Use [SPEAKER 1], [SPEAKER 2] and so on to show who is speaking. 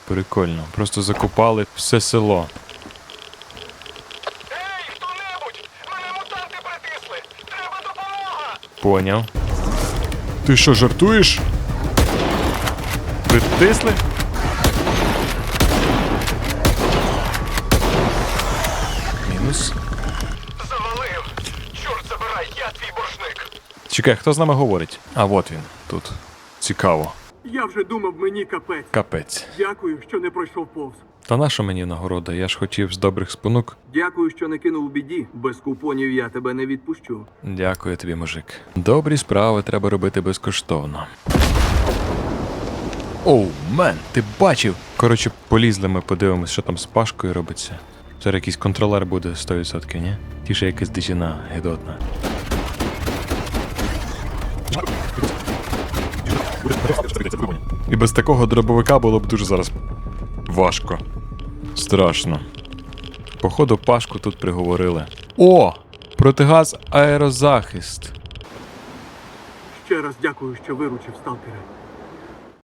[SPEAKER 1] Прикольно. Просто закопали все село.
[SPEAKER 2] Ей, хто-небудь! Мене мутанти притисли! Треба допомога!
[SPEAKER 1] Поняв. Ти що, жартуєш? Притисли? Мінус.
[SPEAKER 2] Завалив! Чорт забирай, я твій боржник!
[SPEAKER 1] Чекай, хто з нами говорить? А, от він, тут. Цікаво.
[SPEAKER 3] Я вже думав, мені капець.
[SPEAKER 1] Капець.
[SPEAKER 3] Дякую, що не пройшов повз.
[SPEAKER 1] Та наша мені нагорода? Я ж хотів з добрих спонук.
[SPEAKER 3] Дякую, що не кинув у біді. Без купонів я тебе не відпущу.
[SPEAKER 1] Дякую тобі, мужик. Добрі справи треба робити безкоштовно. Оу, мен, ти бачив? Коротше, полізли ми, подивимось, що там з Пашкою робиться. Зараз якийсь контролер буде 100%, ні? Тіше якась дичина гидотна. І без такого дробовика було б дуже зараз важко. Страшно. Походу, Пашку тут приговорили. О! Протигаз аерозахист.
[SPEAKER 3] Ще раз дякую, що виручив сталкера.